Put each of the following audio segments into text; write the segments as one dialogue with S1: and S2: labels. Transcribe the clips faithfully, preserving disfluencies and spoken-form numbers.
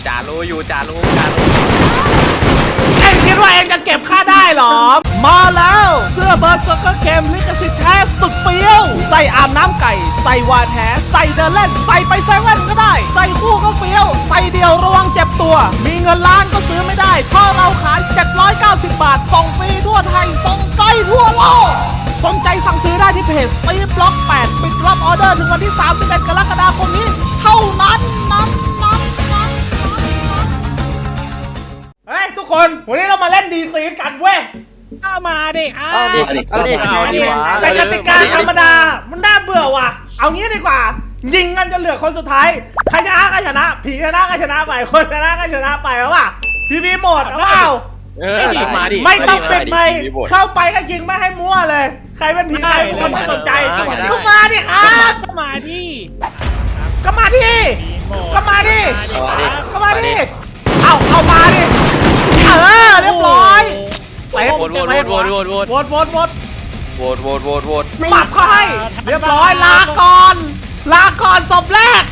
S1: จ่ารู้อยู่จ่ารู้จ่ารู้
S2: เอ็งคิดว่าเอ็งจะเก็บค่าได้หรอมาแล้วเสื้อเบอร์สก็เกมลิขสิทธิ์แท้สุดเฟี้ยวใส่อาบน้ำไก่ใส่วานแท้ใส่เดินเล่นใส่ไปเซเว่นก็ได้ใส่คู่ก็เฟี้ยวใส่เดียวระวังเจ็บตัวมีเงินล้านก็ซื้อไม่ได้เพราะเราขายเจ็ดร้อยเก้าสิบบาทส่งฟรีทั่วไทยส่งไกลทั่วโลกสนใจสั่งซื้อได้ที่เพจตีบล็อกแปดปิดรับออเดอร์ถึงวันที่สามสิบเอ็ดกรกฎาคมนี้เท่านั้นนั้นนั้นนั้นเฮ้ยทุกคนวันนี้เรามาเล่นดีซีกันเว้ยเข้ามาดิครับ
S1: เอาดิเอาดิเอาดิ
S2: แต่กติกาธรรมดามันน่าเบื่อว่ะเอางี้ดีกว่ายิงกันจนเหลือคนสุดท้ายใครชนะก็ชนะผีชนะก็ชนะไปคนชนะก็ชนะไปแล้วว่ะพี่พี่หมดเอาเปล่าไม่ดิมาดิไม่ต้องปิดไมค์เข้าไปก็ยิงไม่ให้มั่วเลยใครเป็นผีใครเป็นคนไม่สนใจก็มาดิครับก็มาดิก็มาดิก็มาดิก็มาดิเอาเอามาดิเออเรียบร้อยเซฟ
S1: โหวตโหวตโหวตโหวตโหวต
S2: โหวตโหวตโหวต
S1: โหวตโหวตโหวตโหวต
S2: ปรับเขาให้เรียบร้อยลาก่อนลาก่อนศพแรก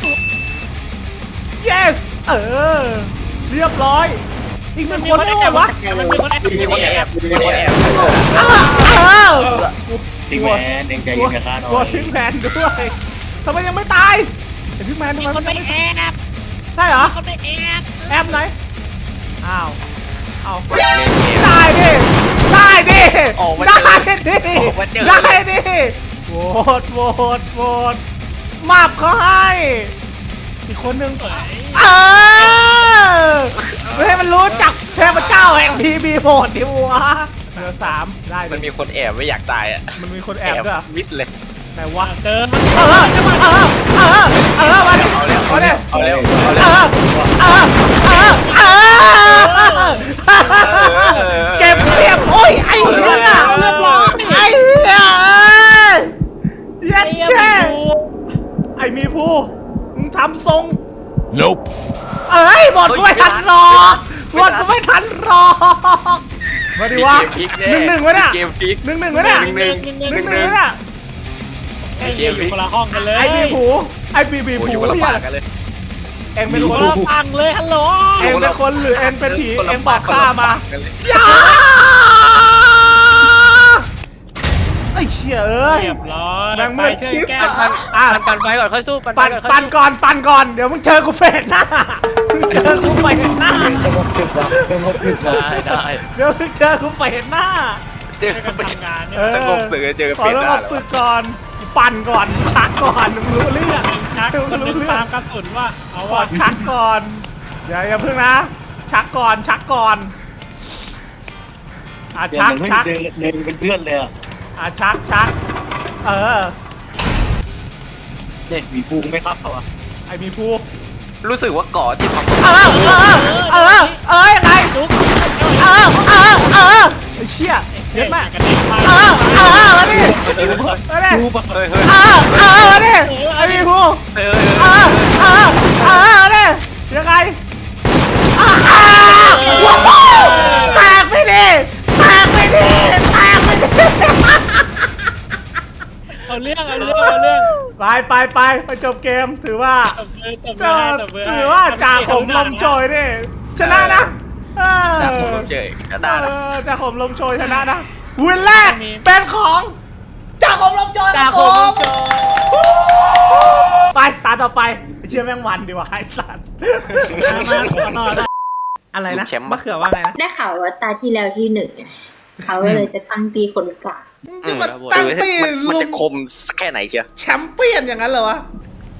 S2: yes เออเรียบร้อยอีกหนึ่งคนได้ไงวะ
S1: มันมีคนแอบมีคนแอบมีคนแอบ
S2: เออเออ
S3: ทิ้งแมนเองใจเย็นกับข้าหน่อย
S2: โหวตทิ้งแมนด้วยทำไมยังไม่ตายแต่ทิ้งแมนทำไม
S4: คนไปแอบ
S2: ใช่เหรอ
S4: คนไปแอบ
S2: แอบไหนอ้าวเอาได้ดิได้ดิได้ดิได้ดิโหวตโหวตโหวตมาบเขาให้อีกคนหนึ่งเออให้มันรู้จักเทพเจ้าแห่งพีบีโหดดิวะเหลือสามได้
S1: มันมีคนแอบไม่อยากตายอ่ะ
S2: มันมีคนแอบด้วย
S1: มิดเลย
S2: ไหนวะ
S4: เกิน
S2: เออเออเออเออมาดิ
S1: เอาเร็ว
S2: มาดิ
S1: เอาเร็ว
S2: เอ
S1: เอา
S2: อ
S1: เร็ว
S2: เออเออเออเก็บเรียบโอ้ยไอ้เหี้ยเรียบร้อยไอ้เหี้ยเย็ดแค่ไอ้มีผู้มึงทำทรง
S5: Nope
S2: เอ้ยบอดกูไม่ทันรอบอดกูไม่ทันรอมาดิวะหนึ่งหนึ่งวะเนี่ย
S1: เกมพลิก
S2: หนึ่งหนึ่งวะเนี่ย
S1: หนึ่งหนึ่ง
S2: หนึ่งหนึ่งวะเนี่ย
S4: ไอ้อยู่คนละห้องกันเลย
S2: ไอ้มีผู้ไอ้ปีบี
S1: โอ้ย
S2: ผู้
S1: อยู่คนละ
S2: เหี้ย
S1: ฝั่งกันเลย
S2: เอ็งเป็น
S4: อยู่
S2: ค
S4: คน นละฝั่งเลยฮัลโหล
S2: เอ็งเป็นคนหรือเอ็งเป็นผีเอ็งบอกข้ามาอย่าไอ้เชี่ยเอ้ย
S4: เรียบร้อย
S2: แม่งมืดชิบ
S4: แก้
S2: อ่ะอ่ะ
S1: ปั่นไฟก่อนค่อยสู้ปั่นไฟ
S2: ปั่น
S1: ก่อนค่อย
S2: ปั่น
S1: สู้
S2: ก่อนปั่นก่อนเดี๋ยวมึงเจอกูเฟสหน้ามึงเจอกูเฟสหน้า
S3: สงบศึกว่ะสงบศึกว่ะ
S1: ได้ได้
S2: เดี๋ยวมึงเจอกูเฟสหน้า
S1: เจอ
S4: กันทำงานเนี่ย
S2: เออ
S1: สงบศึกเจอ
S2: ขอ
S1: เป็น
S2: เริ่
S1: ได้
S2: มศึกก่อนปั่นก่อนชักก่อนมึงรู้เรื่อง
S4: ชัก
S2: มึ
S4: คน
S2: ง
S4: นึ
S2: รู้
S4: ง
S2: เรื่อง
S4: ตามกระสุนว่าเอา
S2: ขอ
S4: ว่า
S2: ชักก่อนอย่าอย่าเพิ่งนะ ชักก่อนชักก่อนอ่ะ
S3: เดี๋ยว
S2: ชัก
S3: มันไม่
S2: ชัก
S3: เจอเดินเป็นเพื่อนเลยอ่ะ
S2: อ่ะชักชักเออ
S3: เนี่ยมีปูไม่เข้าอ่ะ
S2: ไอ้มีผู้
S1: รู้สึกว่าเกาะที่ทำ
S2: เออเออเออเออยังไง
S4: ลุก
S2: เออเออเออไอ้เชี่ยเย็ดมาก
S4: กันเด็กมา
S2: เออเออมาดิ
S3: ดูป่ะ
S2: มาดิ
S3: ดูป่ะ
S1: เฮ้ยเฮ้ย
S2: เออเออมาดิไอ้มีผู้
S1: เฮ้ย
S2: เออเออเออมาดิยังไงอ้าวว้าวแตกไปดิแตกไปดิแตกไปดิ
S4: เอาเรื่องเอาเรื่องเอาเรื่อง
S2: ไปไปไปไปจบเกมถือว่า
S4: ตบมือตบมื
S2: ก็
S4: อให้ตบมือให้
S2: ถือว่าจ่าขมลมโชยนี่ชนะนะเออ
S1: จากผมเจอก็ได้
S2: เอ
S1: นะ
S2: อจ่าขมลมโชยชนะนะวินแรกเป็นของจ่าขมลมโชย
S4: จ่า
S2: นะ
S4: ข
S2: ผม
S4: ลมโชย
S2: ไปตาต่อไปไอ้เชื่อแม่งวันดีกว่าไอ้สัตว์
S4: มาขอนอน
S2: อะไรนะมะเขือว่าไงนะ
S6: ได้ข่าวว่าตาที่แล้วที่หนึ่งอะเขาก็เลยจะตั้งตีคนกลาง
S1: อืม
S2: มันตั้งตี
S1: มันมัน
S2: ลุ
S1: จะ
S2: ม
S1: คมสักแค่ไหนเชียว
S2: แชมเปี้ยนอย่างนั้นเหรอวะ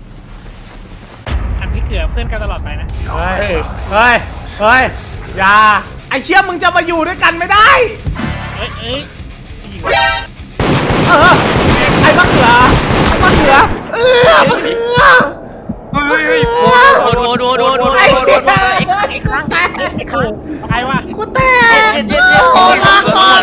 S4: อันที่เกือเพื่อนกันตลอดไปนะ
S2: เฮ้ยเฮ้ยเฮ้ยอย่าไอ้เชี่ยมึงจะมาอยู่ด้วยกันไม่ได้
S4: เอ้ยเอ้ย
S2: เออไอ้มะเขือไอ้มะเขือเออมะเขือ
S1: เฮ้ยเฮ้ยโดนโดนโดนโดน
S2: ไอ้เชี่ย
S1: แตก
S4: ใครวะ
S2: กูแตกโอ้ลาก่อน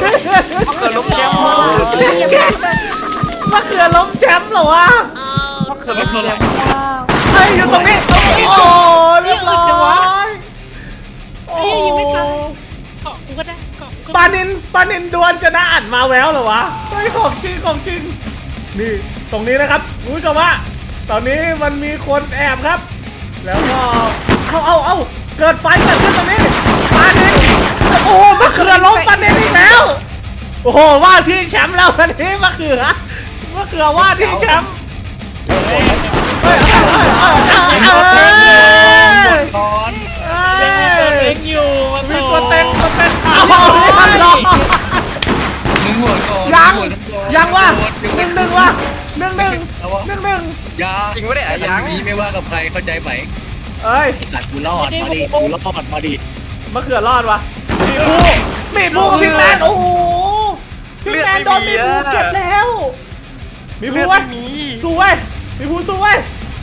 S2: มะเขือล้มแชมป์เหรอวะ
S1: คือไม่มีแล้ว
S2: เฮ้ยอยู่ตรงนี้โอ้เรียบร้อยโอ้
S4: ยังไม่ตายเกาะกูก็ได้เกาะกู
S2: ปานินปานินดวลจะน่าอ่านมาแววเหรอวะเฮ้ยของจริงของจริงนี่ตรงนี้นะครับคุณผู้ชมว่าตอนนี้มันมีคนแอบครับ แล้วก็เอาเอาเอาเกิดไฟเกิดขึ้นตรงนี้ปานินโอ้โหมะเขือล้มปานินอีกแล้วโอ้โหว่าที่แชมป์แล้ววันนี้มะเขือมะเขือว่าที่แชมป์เฮ้ยเฮ้ยเฮ้ยเฮ้ยเฮ้ย
S3: ตอน
S4: เล็งอยู่มัน
S2: มี
S4: โต
S2: ตัวเต็งตัวเต็งเอาไม่ทันหรอก
S3: มึงหัวก่อน
S2: ยัง
S3: หัวก่อน
S2: ยังวะ
S3: หั
S2: หนึ่งห
S3: ก่
S2: นึ่
S3: อง
S2: วะหนึ่งหนึ่งหนึ่งหนึ่ง
S3: ยา
S1: จริงปะเนี่ย
S3: แต่
S1: ยัง
S3: นี้ไม่ว่ากับใครเข้าใจไหม
S2: เอ้ย
S3: สัตว์กูรอดมาดิกูรอดมาดิ
S2: มะเขือรอดวะมีผู้มีผู้กับพี่แมนโอ้โหพี่แมนโดนมีผู้เก็บแล้วมีผู้ไว้สู้ไว้มีผู้สู้ไว้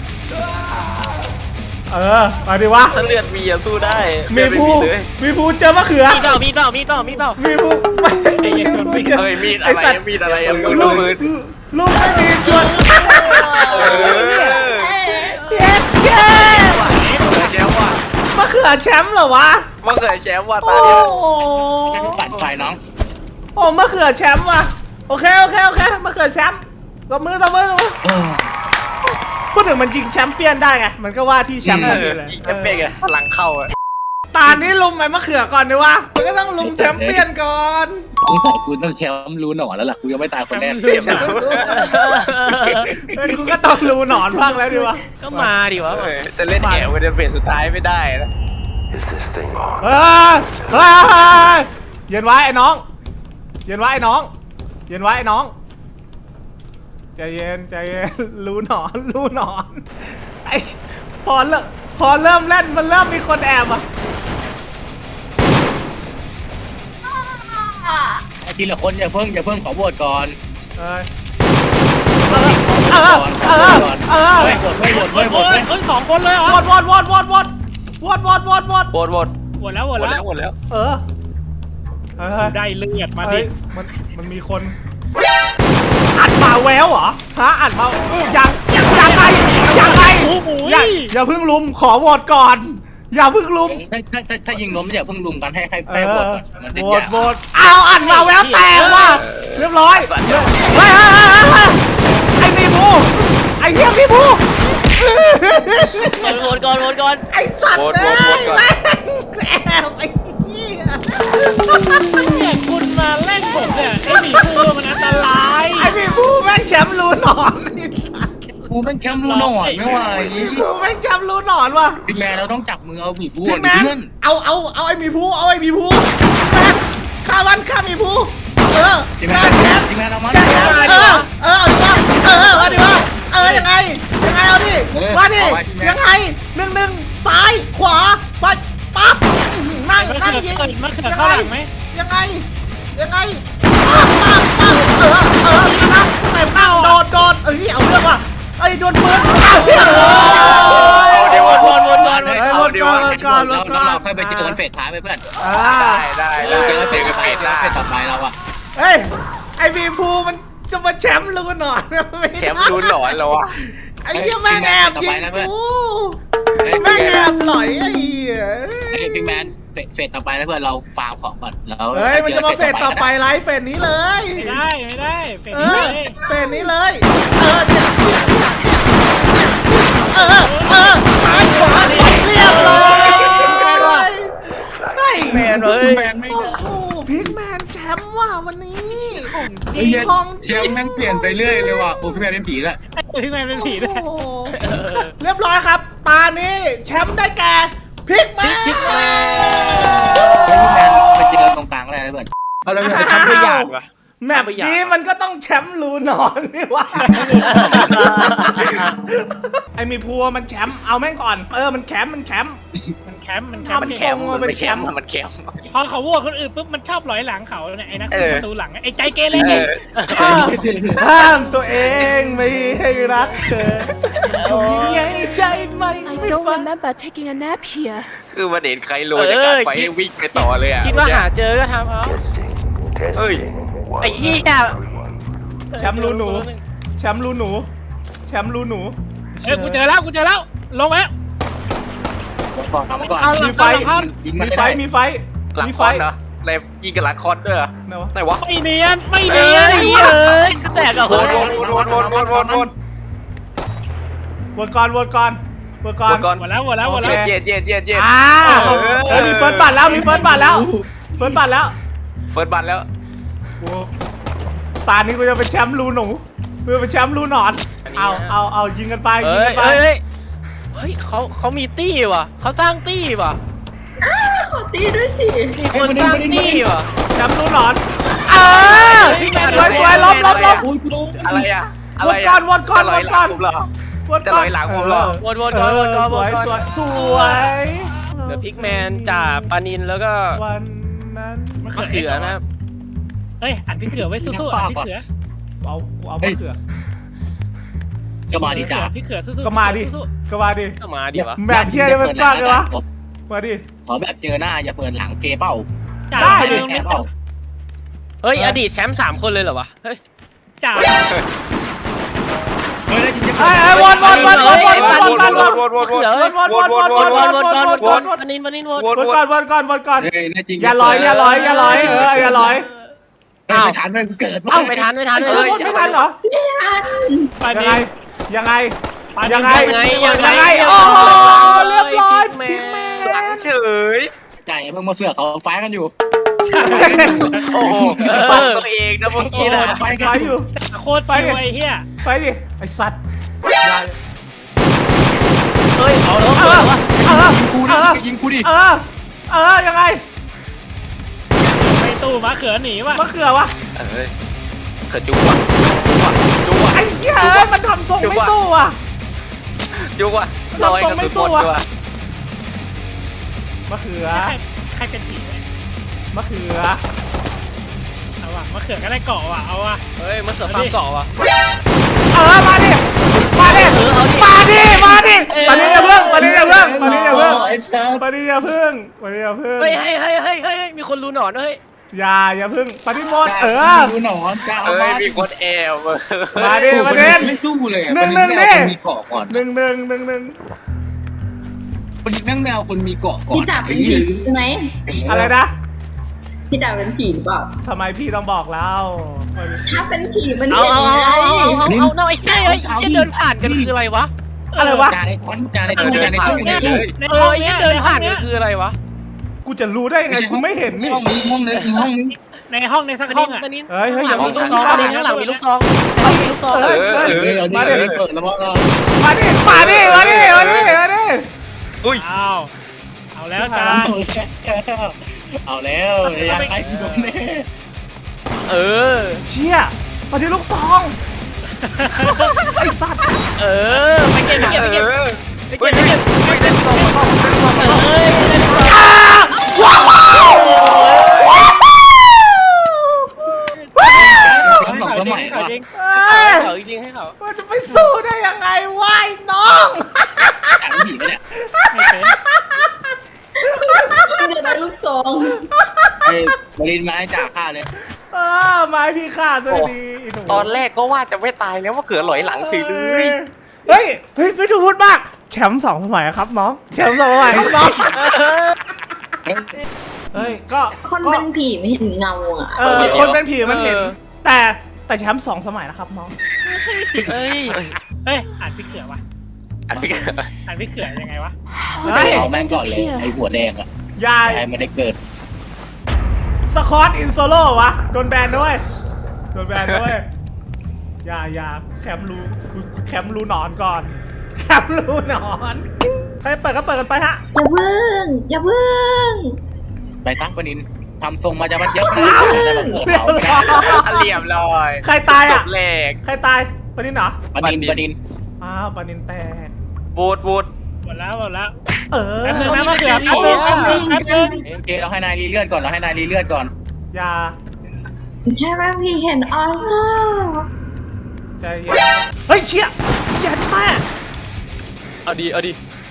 S2: เออมาดิวะ
S1: ถ้าเลือดมีอะสู้ได้
S2: มีผู้
S1: เลือดไ
S2: มีผู้เจอมะเขือ
S4: มีเปล่ามีเปล่ามีเปล่ามีเปล่า
S2: มีผู้ไม่
S4: ไอ้เหี้ยชนไม่
S1: เอ้ยมีดอะไร
S2: สัตว์
S1: มีดอะไรอะมีด
S2: ลูก
S1: มือ
S2: ลูกไม่มีชวน
S1: เออ
S2: เย้เย้
S1: แชมป์ว่ะ
S2: มะเขือแชมป์เหรอวะ
S1: มาเคยแชมป์ว่ะ
S2: โอ้
S1: ตาเนี่ย
S2: โห
S3: แค่ปัดไฟน้อง
S2: โอ้มะเขือแชมป์ว่ะโอเคโอเคโอเคมะเขือแชมป์ตบมือตบมือตบมือ
S3: เออ
S2: พูดถึงมันยิงแชมป์เปี้ยนได้ไงมันก็ว่าที่แชมป์
S1: เอ
S2: ทัน
S1: อ
S2: ทีเลย
S1: ยิงแค่เป๊กอะพลังเข้าอะ
S2: ตานี้ลุมไปมะเขือก่อนดีวะมันก็ต้องลุมแชมป์เปี้ยนก่อน
S3: สงสัยกูต้องแชมป์รู้หนอนแล้วล่ะกูยังไม่ตายคนแรก
S2: เออกูก็ต้องรู้หนอนบ้างแล้วดีวะ
S4: ก็มาดิวะ
S1: เออจะเล่นแอบไปในเฟสสุดท้ายไม่ได้นะ
S5: Is this thing on?
S2: เฮ้ยเฮ้ยเย็นไว้ไอ้น้อง เย็นไว้ไอ้น้อง เย็นไว้ไอ้น้อง ใจเย็นใจเย็น รู้หนอนรู้หนอนไอ้พอเริ่มพอเริ่มเล่นมันเริ่มมีคนแอบอ่ะ
S3: ทีละคนอย่าเพิ่งอย่าเพิ่งขอโหวตก่อน
S2: เอ้ย
S3: เออเออเออเออไม่โหวตไม่โหวต
S4: เฮ้
S3: ไม่
S4: ย
S3: โหวตไม่
S4: เฮ้ยสองคนเลยเหรอ
S2: วอดวอดวอดวอดวอดวอดวอดวอดวอด
S1: โหวตโหวต
S4: หมดแล้วหม
S1: หม
S4: ด
S1: ด
S4: แล้
S1: แล้ว วหมดแล้ว
S2: เออเออ
S4: ได้เลือดมาดิ
S2: เอ้ยมันมันมีคนอัดมาแววเหรอฮะอัดมายังยังยังไงยังไง
S4: โอ้โห
S2: อย่าอย่าเพิ่งลุมขอโหวตก่อน อย่าเพิ่งลุม
S3: ถ้าถ้าถ้าถ้ายิงล้มอย่าเพิ่งลุมกันให้ให้
S2: เอ
S3: ให้โหว
S2: อ
S3: ตก่อนมันจะ
S2: โหวย
S3: า
S2: ต
S3: ก
S2: โหวตอ้าวอัดมาแววแตกว่ะเรียบร้อยเฮ้ยเฮ้ยเฮ้ยเฮ้ยไอ้มีบูไอ้เหี้ยมีบู
S4: โหวตก่อนโหวตก่อน
S2: ไอ้สัตว์
S1: โหวต
S2: เล
S1: โหวต
S2: ย
S1: โหวตก่อน
S2: แม่งแอบไอ้เหี้ย
S4: เนี่ยคุณมาเล่นผมเนี่ยไอ้หมีพูมันอันตราย
S2: ไอ้มีบูแม่งแชมป์รูหนอนไอ้สัตว์
S3: กูเป็นแชมป์รู้หนอนไม่ไหว
S2: กูแม่งแชมป์รูหนอนว่ะ
S3: พี่แมนเราต้องจับมือเอาบีบบัว
S2: พี่แมน
S3: เพื่อน
S2: เอาเอาเอาไอ้มีผู้เอาไอ้มีผู้แมนฆ่ามันฆ่ามีผู้เออ
S3: พี่แม
S2: ฆ่าน แคท
S3: พี่แมนเอามัน
S2: แคทแคทเออเออเอาดิวะเออเอาดิวะเออยังไงยังไงเอาดิมาดิยังไงหนึ่งหนึ่งซ้ายขวาไปปั๊บนั่ง
S4: มัน
S2: นั่ง
S4: เกิด
S2: ยิง
S4: เกิดมันเกิด
S2: ยัง
S4: ข้าง
S2: ไง
S4: หลังไหม
S2: ยังไงยังไงปั๊บปั๊บปั๊บเออเออนั่งสเต็ปนั่งโดดโดดเอ้ยเอาเรื่องว่ะไอ้โดนปืนเอาเรื่องเลย
S1: เอาเดี๋ยว
S4: วนวนวนวน
S2: เฮ้ยวนก่อนวนก่อนวน
S3: แล้ว
S2: ก่อน
S3: เราค่อยไปเจอกันเฟสท้ายไปเพื่อน
S2: อ่า
S1: ได้ได้
S3: เราเจอ
S1: ได้
S3: กันเฟสท้ายเฟสต่อไปเราอะ
S2: เฮ้ย ไอบีฟูมันจะมาแชมป์ลูกหนอนไม่ได้
S1: แชมป์ลุ้นหลอนแล้ววะ
S2: ไอ้เหี้ยแม่งแอบยิงกูแม่งแอบหลอยไอ้เหี้ย
S3: ไอ้พี่แมนเฟสต่อไปนะเพื่อนเราฟาร์มของก่อนแล้ว
S2: เฮ้ยมันจะมาเฟสต่อไปไลฟ์เฟสนี้เลย
S4: ไม่ได้ไม่ได้เป็น
S2: เอ
S4: เล
S2: อย เฟสนี้เลย เออเนี่ยเออเออซ้ายขวาเรียบร้อยเฮ้ย
S1: แมนเฮ้ย
S3: แมนไม่
S2: โอ้โหพิกแมนแชมป์ว่ะวันนี้
S3: ไอ้เหี้ยแชมป์แม่งเปลี่ยนไปเรื่อยเลยว่ะโอ้พี่แมนเป็นผีแล้ว
S4: ไอ้ตัวที่แมนเป็นผีด้วย
S2: โอ้โหเรียบร้อยครับ ตานี้แชมป์ได้แก่พิกแมน
S3: พี่แมนไปเจอตรงกลางก็ได้นะเพื่อน
S1: เอาแล้วจะทำตัวอย่างวะ
S2: แมปนี้มันก็ต้องแชมป์รูนอนนี่วะ ไอมีพัวมันแชมป์เอาแม่งก่อน เออมันแคมป์มันแคมป์
S4: มันแคมป์มันแค
S2: ทำ
S4: มป์
S1: มันแคมป์
S2: ทรง
S1: มันแคมป์มันแคมป์
S4: พอเขาโหวตคนอื่นปุ๊บมันชอบหลอยหลังเขาเนี่ยไอ้นัก
S1: เอ
S4: สู้
S1: อ
S4: ประตูหลังไอ้ใจเกเร
S1: เอ
S4: เนี่ย
S1: อ
S2: ห้ามตัวเองไม่ให้รักเธอทำยังไงใจมัน
S7: I
S2: ไม่
S7: don't
S2: ฟัง
S7: remember taking a nap here.
S1: คือมันเห็นใครโรยในการไฟให้วิ่งไปต่อเลยอ่ะ
S4: คิดว่าหาเจอก็ทำเอา
S5: Testing. Testing. One,
S4: ไอ้เหี้ย
S2: แชมป์รูหนู แชมป์รูหนู แชมป์รูหนู
S4: เอ้ยกูเจอแล้วกูเจอแล้วลงแล้ว
S3: ก่อนทำก่อน
S4: เอาหลั
S2: มี
S4: ง
S2: ไฟ
S4: เข้า
S3: ยิง
S2: มี
S3: มัน
S2: ไฟ
S3: ได้
S2: มีไฟ
S1: หลัง
S2: มี
S1: ค
S2: ไฟ
S1: อนเหรออะไรยิงกับหลังคอนด้วยเหรอ
S2: ไหนวะ
S1: ไหนวะ
S4: ไม่เนียนไม่เนียนไอ้เหี้ยเอ้ยกูแตกกับ
S1: ว
S4: คน
S1: นวนวนวนวนวนวนวน
S2: วนก่อนวนก่อนเปิดก่อน
S1: ก่อน
S4: หมดแล้วหมดแล้วหมดแล้ว
S1: เย็ดเย็ดเย็ดเย็ด
S2: อ้าวเฮ้ยมีเฟิร์สบัตรแล้วมีเฟิร์สบัตรแล้วเฟิร์สบัตรแล้ว
S1: เฟิร์สบัตแล้ว
S2: ตานี้กูจะเป็นแชมป์รูหนูกูจะเป็นแชมป์รูหนอนเอาเอาเอายิงกันไปยิง
S3: เฮ้ย
S2: กันไป
S3: เฮ้ยเฮ้ยเขาเขามีตี้ว่ะเขาสร้างตี้ว่ะ
S6: ขอตีด้วยสิ
S3: มีคนสร้างตี้ว่ะ
S2: แชมป์รูหนอนเออสวยสวยลบลบลบ
S3: อุ้ยกูรู้
S1: อะไรอะอะ
S2: ว
S1: ไร
S2: นก่อนวนก่อน
S1: จะล
S2: ว
S1: อย
S2: น
S1: ห
S2: ก่
S1: ลั
S2: อง น
S1: ผมเหรอ
S2: วน
S1: จะ
S2: ก่
S1: ล
S2: อน
S1: อยหลังผมเหรอ
S3: วนวนก่อนวนก่อน
S2: ส
S3: ว
S2: วน ย
S3: ก่อน
S2: สวยสวย
S3: เดี๋ยวพิกแมนจ่าปานินแล้วก็
S2: วันนั้น
S3: มะเขือนะครับ
S4: เฮ้ยอ่านพี่เขือไว้สู้ๆอ่านพี่เขือ
S2: เอาเอามะเขือ
S3: ก็มาดิจ่า
S4: พี่เขือสู้ๆ
S2: ก็มาดิ
S4: สู้
S2: ก็มาดิ
S3: ก็มาดิวะ
S2: แบบเพี้ยเลยมันกล้าเลยวะมาดิ
S7: ขอแบบเจอหน้าอย่าเปิดหลังเกเป้า
S4: ๆจ่า
S2: ได้ดิ
S4: ตรง
S7: แก
S4: นี้
S7: เป้า
S3: เฮ้ยอดีตแชมป์สามคนเลยเหรอวะเฮ้ย
S4: จ่า
S7: เฮ้ยแล้วจริงๆ
S2: ไอ้ไอ้วนวนวนวนวนวนวนวนวน
S1: วนวนวนวนวน
S2: วนวนวนวน
S3: ว
S2: วน น
S3: ว
S2: วน น
S3: ว
S2: วน น
S3: ก่อน
S2: ว
S3: วน นก่อน
S2: วน
S3: ปานินปานินวน
S2: วนก่อนวนก่อนวนก่อน
S7: เฮ้ยแน่จริง
S2: อย่าลอยอย่าลอยอย่าลอยเอออย่าลอย
S7: เฮ้ยไม่ทันเลยเกิด
S3: เอ้าไม่ทันไม่ทัน
S2: ไอ้
S3: เล
S2: เชี่ย
S3: ย
S2: วนไม่ทันเหรอ
S4: ปา
S2: ยัง
S4: นิ
S2: ไง
S4: น
S2: ยังไง
S4: ปานิน
S2: ยังไง
S3: ยังไงยังไง
S2: ยังไงโอ้โหเรียบร้อยพิกแม
S1: หลัง
S2: น
S1: เฉย
S7: ใจเพิ่งมาเสือกเขาไฟกันอยู่
S1: โอ้โหฟังตัวเองนะเมื่อกี้นะ
S7: ไฟกัน
S2: ไป
S7: อ
S2: อยู่ ยู่
S4: โคตรชิวไอ้เหี้ย
S2: ไปดิไอ้สัตว์อย่า
S3: เฮ้ยเอาแล้ว
S2: เอ
S3: เปิ
S2: อ
S3: ดวะ
S2: เออ
S7: ยิงกู
S2: เอ
S7: ดิ
S2: อ
S7: ยิงกูดิ
S2: เออเออยังไง
S4: ไปตู้มะเขือหนีว่ะ
S2: มะเขือวะ
S1: เอ้ยเขินจุ๊บว่ะจุ๊บว่ะ
S2: ไอ้เหี้ยเอ้ยมันทำทรงไม่สู้อ่ะ
S1: จุ๊บว่ะลอยกระสุนหมดด้วย
S2: มะเขือ
S4: ใครใครเป็นผีเนี่ย
S2: มะเขือ
S4: เอาว่ะมะเขือก็ได้เกาะว่ะเอาว่ะ
S3: เฮ้ยมันเสือฟาร์มเกาะว่ะ
S2: เออมาดิมาดิ
S3: เออเอาดิ
S2: มาดิมาดิ
S3: เออ
S2: มาดิอย่าเพิ่งมาดิอย่าเพิ่งมาดิอย่าเพิ่ง
S7: ไอ้สัส
S2: มาดิอย่าเพิ่งมาดิอย่าเพิ่ง
S3: เฮ้ยเฮ้ยเฮ้ยเฮ้ยเฮ้ยมีคนรู้หนอนเฮ้ย
S2: อย่าอย่าเพิ่งปฏิโมดเออ
S7: ดูหนอนจ้า
S1: เอ้ยมีคนแอบ
S2: มาดิมาดิ
S7: ไม่สู้เลย
S2: หนึ่งหนึ่งดิ
S7: คนมีเกาะก่อน
S2: หนึ่งหนึ่งหนึ่งหนึ่ง
S7: คนแม่งแมวคนมีเกาะก่อน
S6: พี่จ่าเป็นผีใช่ไหม
S2: อะไรนะ
S6: พี่จ่าเป็นผีหรือเปล่า
S2: ทำไมพี่ต้องบอกเรา
S6: ถ้าเป็นผีมัน
S3: เอา
S6: เห็น
S3: เอา
S6: ไง
S3: เอาเอาเอาเอาเอาเอาไอ้เหี้ยไอ้เหี้ยเดินผ่านกันคืออะไรวะ
S2: อะไรวะ
S7: จ่าในคอนจ่าในตู้จ่าในตู้ในตู้
S4: ใน
S3: เอ
S4: ห้
S3: อ
S4: อง
S3: ไอ้
S4: เนี้
S3: เหี้
S4: ย
S3: ยเดินผ่านกันคืออะไรวะ
S2: กูจะรู้ได้ยังไงกูไม่เห็นนี่
S7: ห้องนี้ห้องนึงห้องนึง
S4: ในห้องในสัก
S3: ปา
S4: ห้
S3: นิ
S4: อง
S3: น
S4: อ่ะ
S3: ปานิน
S2: เฮ้ยเฮ้ยอย่า
S3: ข้างหลังมีลูกซองปานินข้างหลังมีลูกซองข้างหลังมีลูกซอง
S2: เฮ้ยเฮ้ย
S7: เออเอาดิ
S2: มาดิ
S7: เปิดแล้วว่า
S2: มาดิมาดิมาดิมาดิมาดิ
S1: อุ้ย
S4: อ้าวเอาแล้วจ้า
S7: เอาแล้วยังไงโดนแน่
S3: เออ
S2: เชี่ยมาดิลูกซองไอ้สัตว์
S3: เออไปเก็บไปเก็บไปเก็บ
S1: เออ
S3: ไปเก็บไปเก็บ
S1: ไม่ได้ตรงมาต้องไม่ได้ตรง
S3: เอ
S1: มา
S3: อเอ้ย
S2: ว้าว
S7: สองสมัย
S4: ขอ
S7: ว่ะ
S4: จริง
S2: เอ้ย
S3: เขาจริงให้เขา
S2: มันจะไปสู้ได้ยังไงวะไอ้น้อง
S7: จ่าผีไปเนี่ย
S4: ไม่เป็น
S6: เดี๋ยวได้ลูกซอง
S7: ไอ้บรินมาให้จ่าฆ่าเลย
S2: เออไม้พี่ขาดซะดีไห
S1: ตอนแรกก็ว่าจะไม่ตายแล้วว่าเขือหลอยหลังเฉยเลย
S2: เฮ้ยเฮ้ยไม่ถูกพูดมากแชมป์สองสมัยครับน้องแชมป์สองสมัยครับน้องเฮ้ยก็
S6: คน
S2: ก็
S6: เป็นผีไม่เห็นเงาอ่ะ
S2: เออคนเป็นผีมันเห็น แต่แต่แชมป์สองสมัยนะครับน้อง
S3: เฮ้ย
S4: เฮ้ยอ่านพี่เขือวะ
S1: อันนี้ก็
S4: อ่านพี่เขือยังไงวะ
S2: เฮ้ย
S7: เอาแม่งก่อนเลยไอ้หัวแดงอ่ะ
S2: ยาย
S7: ไอ้ไม่ได้เกิด
S2: สคอตอินโซโล่วะโดนแบนด้วยโดนแบนด้วยอย่าอย่าแคมป์รูแคมป์รูหนอนก่อนแคมป์รูหนอนใครเปิดก็เปิดกันไปฮะ
S6: อย่าพึ่งอย่าพึ่ง
S7: ไปตั้งปนินทำทรงมาจะมาเยอะขนาดนี้ได้มาเกิดเขาไม่ได้
S1: เรียบร้อย
S2: ใครตาย
S1: จ
S2: อ่ะ
S1: บแรก
S2: ใครตายปานินเหรอ
S7: ปนินปนิน
S2: อ้าวปานินแตก
S1: บูดบูด
S4: หมดแล้วหมดแล้ว
S2: เออ
S4: แป๊บนึงนะมะเขือแป๊บนึงแป๊บนึงแป๊บนึง
S7: โอเคเราให้นายรีเลือดก่อนเราให้นายรีเลือดก่อน
S2: อย่า
S6: ใช่ไหมพี่เห็นออนไลน์
S2: ใจเย็นเฮ้ยเชี่ยเย็นมาก
S3: เอาดีเอาดี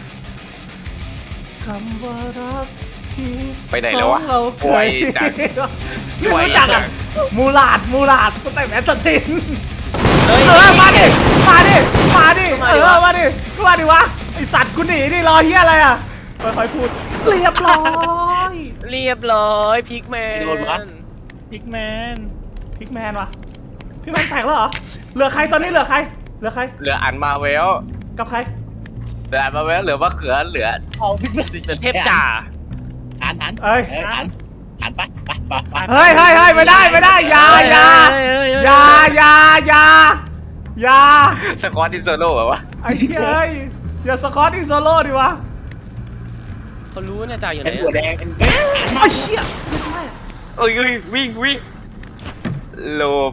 S2: คำว่ารักที่
S1: ไปไหนแล้ววะ
S2: สองเราเค
S1: ไวย จัด
S2: ไม่
S1: ไว
S2: รู้จัก
S1: จั
S2: อ่ะ
S1: ด
S2: มูลาดมูลาดสเต็ปแอสซัสซิน
S3: เฮ้ย
S2: เออมาดิมาดิมาดิ
S3: มา
S2: เอ
S3: ดิ
S2: อ
S3: วะ
S2: มาดิก็มาดิวะไอสัตว์กูหนีดิรอเฮียอะไรอ่ะค่อยๆพูดเรียบร้อย
S3: เรียบร้อยพิกแมน
S4: พิกแมน
S2: พิกแมนวะพี่แมนแตกแล้วเหรอเหลือใครตอนนี้เหลือใครเหลือใคร
S1: เหลืออันมาเวล
S2: กับใคร
S1: เหลือมาแล้วเหลือมะเขือเหลือ
S7: เอาพี่เพื่อน
S4: เดี๋ยวเทพจ่า
S7: อ่านอ่าน
S2: เอ้ย
S7: เอออ่านอ่านไปไปไปไป
S2: เฮ้ยเฮ้ยเฮ้ยไม่ได้ไม่ได้อยาอยาอยาอยาอยาอยา
S1: สกอตอินโซโล่แบบว่า
S2: ไอ้เหี้ยเอ้ยอย่าสกอตอีโซโล่ดิวะ
S4: เขารู้เนี่ยจ่าอยู่ไหน
S7: เป็นหัวแดงเป็นเอ้ยอ่านมา
S2: ไอ้เหี้ย
S1: เอ้ยเอ้ยวิ่งวิ่งหลบ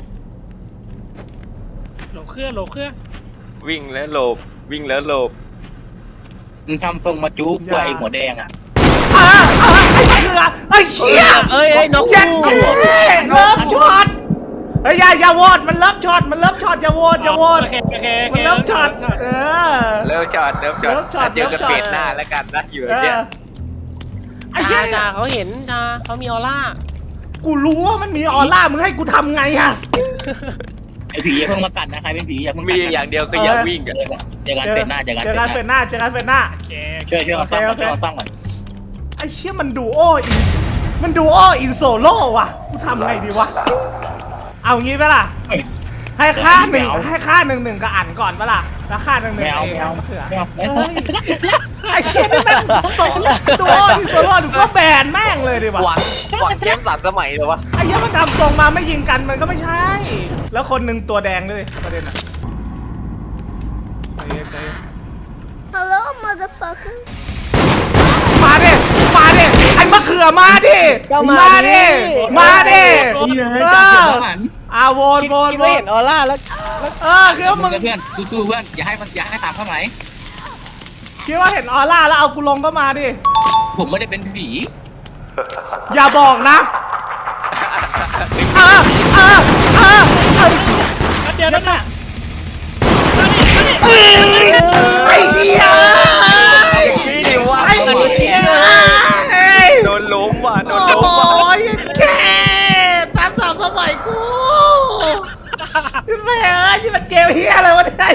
S4: โหลเครื่องโหลเครื่อง
S1: วิ่งแล้วหลบวิ่งแล้วหลบ
S7: มึงทำทรงมาจุ๊บไอ้หัวแดงอ่ะ
S2: อ่าอ่าไอ้เหี้ยไอ้เหี้ย
S4: เอ้ยเอ้ยนก
S2: เจ็ด
S4: คู่
S2: เลิฟช็อตเฮ้ยอย่าอย่าโหวตมันเลิฟช็อตมันเลิฟช็อตอย่าโหวตอย่าโหวต
S4: โอเคโอเคโอเค
S2: มันเลิฟช็อตเออ
S1: เริ่มช็อตเริ่มช็อต
S2: เริ่มช็อต
S1: เจอกัน
S2: เริ่มช็อต
S1: เฟสหน้าแล้วกันนะอยู่
S2: เอ
S1: เนี่ย
S2: อไอ้เหี้
S4: จ่าย จ่าเขาเห็นจ่าเขามีออร่า
S2: กูรู้ว่ามันมีออร่ามึงให้กูทำไงอะ
S7: ไอ้ผีอย่าเพิ่งมากัดนะใครเป็นผีอย่าเพิ่งกั
S1: มี
S7: ดนะ
S1: อย่างเดียวคืออย่าวิ่ง
S7: เจ
S1: กัน
S7: อกันเจอกันเป็นหน้าเจอกัน
S2: เจอ
S7: เป็น
S2: กัน
S7: ห
S2: เฟ
S7: น้า
S2: นหน้าเจอกันเฟนหน้า
S4: โอเค
S7: ช่วยช่วยกันซ่อมก่อน
S2: โอเค
S7: ช่วยกันซ่อมก่อน
S2: ไอ้เชี่ยมันดูโออินมันดูโออินโซโล่ว่ะกูทำไงดีวะเอางี้ปะล่ะ
S7: เฮ้ย
S2: ให้ค่าหนึ่ง
S7: ไม่เอา
S2: ให้ค่าหนึ่งหนึ่งกับอันก่อนปะล่ะแล้วค่าหนึ่งหนึ่ง
S7: ไม่เอา
S2: เอง
S7: ไม่เอา
S2: มะเขือ
S7: ไม่เอาไม่เอาไม่เอาไม่เอา
S2: ไอ้เชี่ยนี่แม่งสองดูโออินโซโล่ดูก็แบนแม่งเลยดิวะ
S1: หวังหวังแชมป์สามสมัยเหรอวะ
S2: ไอ้เหี้ยมันทำทรงมาไม่ยิงกันมันก็ไม่ใช่ แล้วคนหนึ่งตัวแดงด้วยประเด็นอะใจเย็นใจเย็น
S6: Hello motherfucker
S2: มาดิมาดิไอ้มะเขือมาดิ
S8: ก็มาดิ
S2: มาดิ
S7: นี่เลย
S2: เอ
S7: จับ
S2: อ
S7: เสียงทหาร
S2: อาโวน
S8: คิด
S2: โวน
S8: คิด
S2: โว
S8: ว่าเห็
S2: น
S8: นออร่าแล้ว
S2: เออคือว่า
S7: มึ
S2: มึ
S7: ง
S2: ง
S7: กับเพื่อนสู้ๆเพื่อนอย่าให้มันอย่าให้ตามเข้าไหน
S2: คิดว่าเห็นออร่าแล้วเอากูลงก็มาดิ
S7: ผมไม่ได้เป็นผี
S2: อย่าบอกนะเออเออเออเออ
S4: เดี๋ยวนั่นน่ะ
S2: เอ้ยไอ้เหี้ย
S1: นี่ดิว่า
S2: ไอ้เหี้ยเอ้ย
S1: โดนล้มว่ะโด
S2: โอ้
S1: นล้ม
S2: โห
S1: ว่ะ
S2: แค่สามสามสมัยกูแม่เอ้ยนี่มันเกมเฮียอะไรวะเนี่ย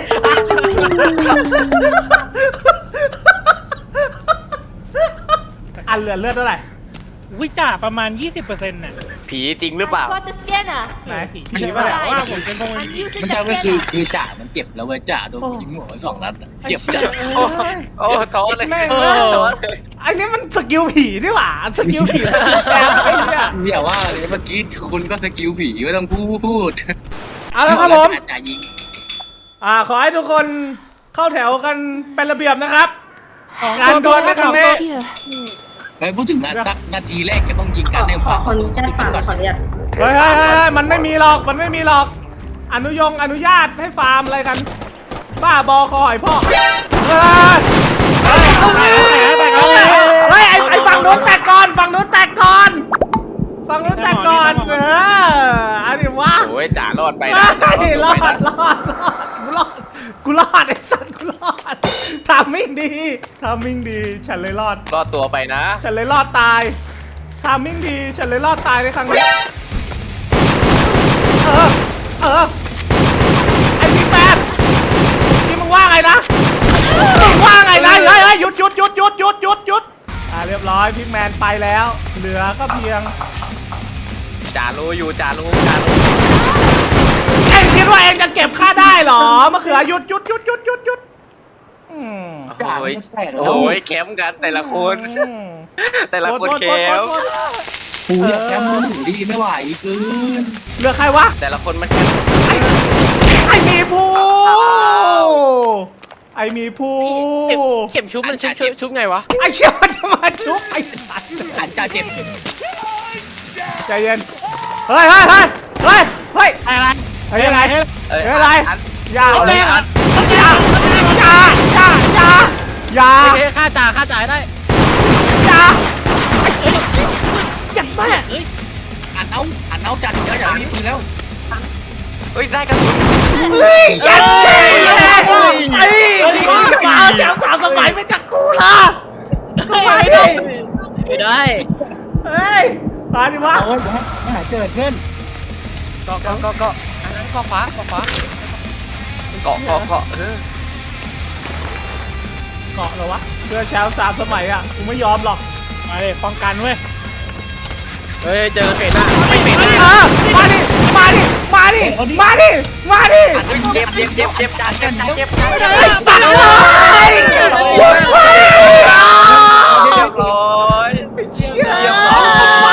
S2: อันเหลือเลือดเท่าไหร่
S4: วิจ่าประมาณ ยี่สิบเปอร์เซ็นต์น่ะ
S1: ผีจริงหรือเปล่า
S6: I've got the scanner
S2: ไหน
S4: ผี
S2: ผี
S4: ที่
S2: ป่ะ
S4: ว่า
S2: เนี่ย
S4: ว่าผมเป็นพวก
S6: I'm using
S7: มัน
S6: the
S7: จะก็คือ
S6: scanner
S7: คือจ่ามันเจ็บแล้วเว้ยจ่าโดนยิงหัวไปสองนัดอะเจ็บจัด
S1: โอ้โอ้ท้อเลย
S2: แม่ง
S1: โอ้
S2: เลย
S1: ท้อเลย
S2: อันนี้มันสกิลผีนี่หว่าสกิลผีสกิลแชมป์ไอ้เนี่ย
S7: อย่าว่าเลยเมื่อกี้คุณก็สกิลผีไม่ต้องพูด
S2: เอาละครับผม
S7: จ่ายิง
S2: อ่าขอให้ทุกคนเข้าแถวกันเป็นระเบียบนะครับการดวลในครั้งนี้
S6: Here
S7: ไปพูดถึงนะสักนาทีแรกจะต้องยิงกันใน
S6: ข
S7: ฝั่
S6: อง คนแก้ฝากขออนุญาต
S2: เฮ้ยเฮ้ยเฮ้ยมันไม่มีหรอกมันไม่มีหรอก อนุยงอนุญาตให้ฟาร์มอะไรกัน บ้าบอคอไอพ่อเฮ้ยเฮ้ยเฮ้ยไอไอฝั่งนู้นแตกก่อนฝั่งนู้นแตกก่อนฝั่งนู้นแตกก่อนเอออันนี้วะ
S1: โอ้ยจ่ารอดไป
S2: ไม่
S1: นะจ่าร
S2: ร
S1: อ
S2: อ
S1: ด
S2: ด
S1: ไปนะ
S2: รอดรอดกูรอดกูรอดไอสัตว์กูรอดทำมิ่งดีทำมิ่งดีฉันเลยรอด
S1: รอดตัวไปนะ
S2: ฉันเลยรอดตายทามมิ่งดีฉันเลยรอดตายในครั้งนี้ เออ เออ ไอพี่แปดนี่มึงว่าไงนะ มึงว่าไงนะเฮ้ยเฮ้ยหยุดหยุดหยุดหยุดหยุดหยุดหยุดอ่าเรียบร้อยพิกแมนไปแล้ว เหลือก็เพียง
S1: จ่ารู้อยู่จ่ารู้จ่ารู้
S2: เอ็งคิดว่าเอ็งจะเก็บค่าได้เหรอมะเขือหยุดหยุดหยุดหยุดหยุดหยุดอืม
S7: จ่า
S1: โอ้ย
S7: ไม่ใช่หรอ
S1: โอ้ยแคมป์กันแต่ละคน
S2: อืม
S1: แต่ละคนแคมป์
S7: กูอยากแค่มือถือดีไม่ไหวเกิน
S2: เหลือใครวะ
S1: แต่ละคนมันแคมป์
S2: ไอไอมีภูไอมีภู
S4: เข็มชุบมันชุบชุบชุบไงวะ
S2: ไอเชี่ยมันจะมาชุบไอสัตว์
S7: อันจ่าเจ็บ
S2: ใจเย็นเฮ้ยเฮ้ยเฮ้ยเฮ้ยเฮ้ย
S4: อะไร
S2: เฮ้ยอะไร
S1: เอ้ย
S2: เฮ้ยอะไร
S1: อัน
S2: อย่า
S1: เอาเลยอัน
S2: อย่าอย่าอย่าอย่าอย่า
S4: โอเคค่าจ่าค่าจ่ายได้
S2: อย่าอย่าแม่
S4: เอ้ย
S7: อันเอาอันเอาจ่าเยอะอย่างนี้ปืนแล้ว
S1: เฮ้ยได้กระสุน
S2: เฮ้ยอย่าเชี่ยไอ้มาเอาแถวสามสมัยไปจากกูล่ะมาดิ
S4: ไม่ได้
S2: เฮ้ยมาดิวะ
S7: เอาไว้ไม่หายเกิดขึ้น
S4: ก็ก็ก็ก็อันนั้นก็ฟ้าก็ฟ้า
S1: เกาะเกาะเกาะเออ
S2: เกาะเหรอวะเพื่อแชมป์สามสมัยอ่ะกูไม่ยอมหรอก
S4: มาเลยป้องกันเว้ย
S2: ใจ
S3: เฮ้ยเจอเฟสหน้าไม่เฟสห
S2: เอ
S3: น้า
S2: อมาดิมาดิมาดิมาดิมาดิ
S1: เจ็บเจ็บเจ็บเจ็บจานเจ็บจานเจ็บจานเจ็บ
S2: ไอ้สัตว์เลยหยุดไฟ
S1: เรียบร้อยเรียบร้อย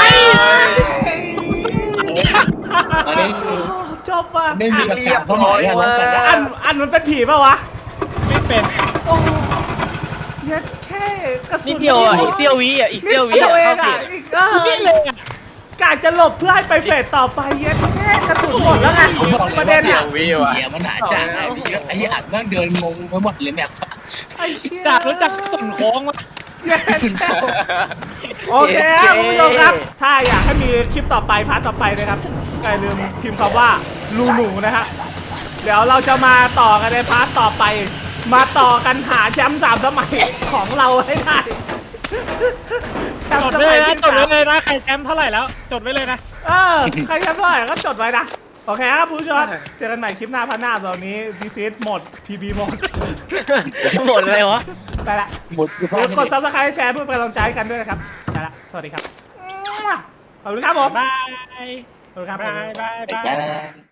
S7: อันนี้
S2: จบป่ะ
S7: ไม่มีกระจาสมัยอะนะ
S2: อันอันมันเป็นผีป่ะวะ
S4: ไม่เป็น
S2: โอ้ยแค่กระสุน
S3: นิดเดียวอ่ะอีกเซียววิอ่ะอีก
S2: นิ
S3: เซียว
S2: ด
S3: วิ
S2: เดียว
S3: อ่ะ
S2: เอง
S3: เข้าเฟ
S2: อ่ะ
S3: ส
S2: อีกเออ
S4: นี่เลยอ่ะ
S2: กะจะหลบเพื่อให้ไปเฟสต่อไปเย็ดแค่กระสุนหมดแล้วไง
S7: ผมบอกเลย
S2: ประ
S7: ว่า
S2: เด็น
S7: เดี๋ย
S2: อ่ะ
S7: ววิวอะมันหาจานไอ้พี่ไอ้อัดแม่งเดินงงไปหมดเลยแบบ
S2: ไอ้เหี้ย
S4: จากรู้จักส่วนโค้งมา
S2: เย็ดโอเคครับคุณผู้ชมครับ ถ้าอยากให้มีคลิปต่อไปพาร์ทต่อไปนะครับอย่าลืมพิมพ์คำว่าลูหนูนะฮะเดี๋ยวเราจะมาต่อกันในพาร์ทต่อไป มาต่อกันหาแชมป์สามสมัยของเราให้ได้แชม
S4: จ
S2: ป์
S4: ด
S2: ส
S4: ไว้
S2: มั
S4: เลย ยนะ
S2: ที่
S4: จด
S2: สา
S4: ไว้
S2: ม
S4: เลยนะใครแชมป์เท่าไหร่แล้ว จดไว้เลยนะ
S2: เออใครแชมป์เท่าไหร่ก็จดไว้นะโอเคครับผู้ชมเจอกันใหม่คลิปหน้าพันหน้าตอนนี้ดีซีหมด พี บี หมด
S3: หมดเลยวะ
S2: ไปละ
S7: หมดคือ
S2: เดี๋ยวกดซับสไครต์แชร์เพื่อเป็นกำลังใจให้กันด้วยนะครับไปละสวัสดีครับขอบคุณครับผม
S4: บาย
S2: ขอบคุณครับ
S4: บายบาย
S7: ไป
S4: บาย
S7: จ้า